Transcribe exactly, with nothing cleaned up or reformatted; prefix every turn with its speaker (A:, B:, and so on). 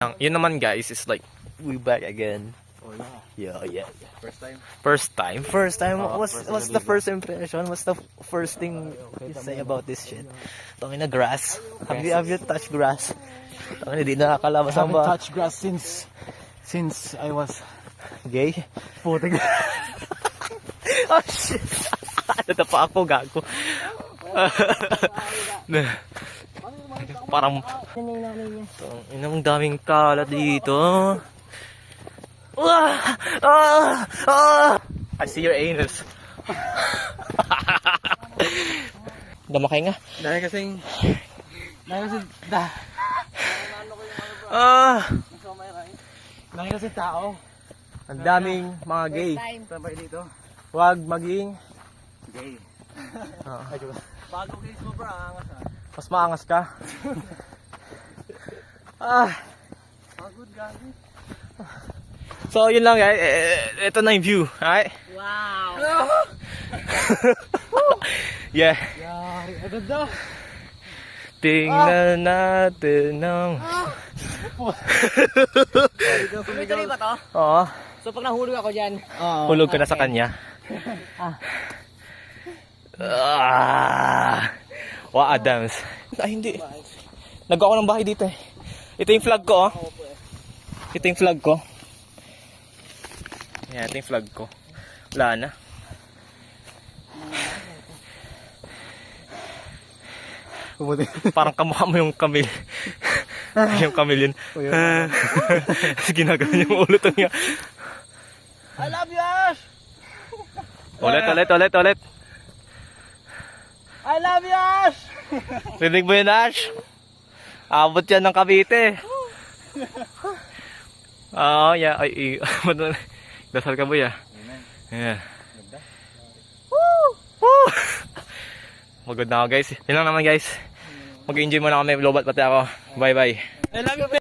A: Ang- Yun naman guys is like, we back again.
B: Oh yeah.
A: Yeah, yeah, yeah.
B: First time.
A: First time? First time?
B: Uh,
A: what's
B: first
A: what's
B: time
A: the
B: dito.
A: first impression? What's the first thing you say about this shit? Tangin na grass. Have you, have you touched grass? Tangin na, di nakakalabas
B: I
A: ang
B: haven't
A: ba?
B: touched grass since since I was
A: Gay?
B: puting.
A: Oh shit! Natapa ako, gago. Parang inang daming kalat dito. Ah! Ah! Ah! I see your anus. Damakay nga.
B: Dahil kasing dahil kasi da,
A: Ah!
B: dahil kasi tao.
A: Ang daming mga gay.
B: Sabay dito.
A: Huwag maging
B: Gay.
A: ah,
B: Bago case mo bro, angas ah.
A: mas maangas ka. Ah!
B: Pagod gabi.
A: So yun lang guys. Eh, ito na yung view. Alright?
C: Wow!
A: Yeah.
B: Yari, agad daw.
A: Tingnan natin ng...
C: Tuloy-tuloy ba to?
A: Oo.
C: So pag nahulog ako dyan,
A: Hulog ka na sa kanya. Ah. Wa Adams. Ay hindi. Nagawa ko ng bahay dito eh. Ito yung flag ko oh. Ito yung flag ko. Yan, ito yung flag ko. Wala na.
B: Pumuti.
A: Parang kamukha mo yung kamil. Yung kamil yun. Ginagawa yung ulo to niya.
B: I love you Ash!
A: Ulit, ulit, ulit, ulit.
B: I love you Ash!
A: Rinig mo yun, Ash? Abot yan ng Cavite. Oo, yeah. Ay, ay. Dasal ka, boy, ah. Yeah. Woo! Woo! Magod na ako, guys. Yun lang naman, guys. Mag-enjoy muna kami. Lobat pati ako. Bye-bye.
B: I love you